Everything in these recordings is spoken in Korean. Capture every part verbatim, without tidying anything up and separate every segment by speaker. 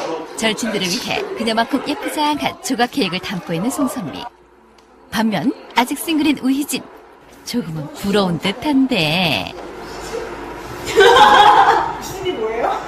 Speaker 1: 절친들을 위해 그녀만큼 예쁘장한 조각 케이크를 담고 있는 송선미. 반면 아직 싱글인 우희진. 조금은 부러운 듯한데.
Speaker 2: 수진이 뭐예요?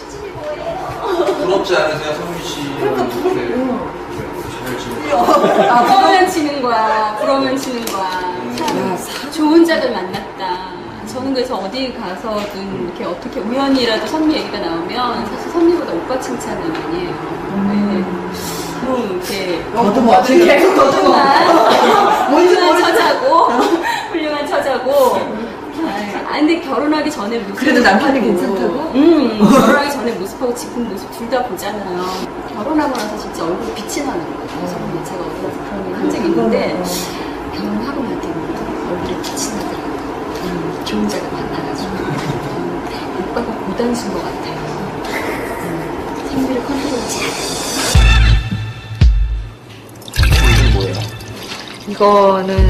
Speaker 3: 부럽지 않으세요, 성미 씨?
Speaker 2: 그러니까 부럽-
Speaker 3: 이렇게 잘 지내고.
Speaker 4: 아, 부러면 치는 거야. 부러면 치는 거야. 참 좋은 짝을 만났다. 저는 그래서 어디 가서든 이렇게 어떻게 우연히라도 선미 얘기가 나오면 사실 선미보다 오빠 칭찬을 많이 해요. 네. 뭐 이렇게
Speaker 2: 더듬어. 계속 더듬어. 뭔지
Speaker 4: 훌륭한
Speaker 2: 모르겠어.
Speaker 4: 처자고 훌륭한 처자고. 아 근데 결혼하기 전에 모습
Speaker 2: 그래도 남편이 괜찮다고?
Speaker 4: 음 결혼하기 전에 모습하고 지금 모습 둘 다 보잖아요. 결혼하고 나서 진짜 얼굴 빛이 나는 거예요. 선미 제가 어디 가서 그런 얘기 한 적이 있는데 결혼하고 나서는 얼굴에 빛이 나더라고요. 음, 좋은 자가 만나가지고 음, 오빠가 고단수인 것 같아요. 음, 생미를 컨트롤 잘.
Speaker 3: 이건 뭐예요?
Speaker 5: 이거는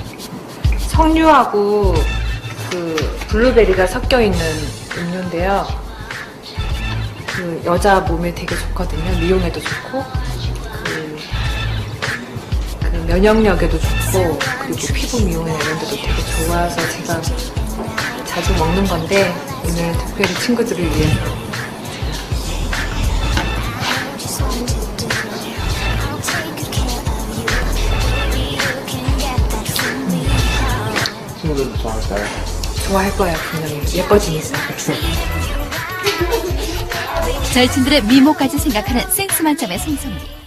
Speaker 5: 석류하고 그 블루베리가 섞여 있는 음료인데요. 그 여자 몸에 되게 좋거든요. 미용에도 좋고 그, 그 면역력에도 좋고 그리고 피부 미용이나 이런 데도 되게 좋아서 제가 자주 먹는 건데 오늘 특별히 친구들을 위해서
Speaker 3: 친구들도 좋아할까요?
Speaker 5: 좋아할 거예요. 분명히 예뻐지니까.
Speaker 1: 절친들의 미모까지 생각하는 센스 만점의 송선미.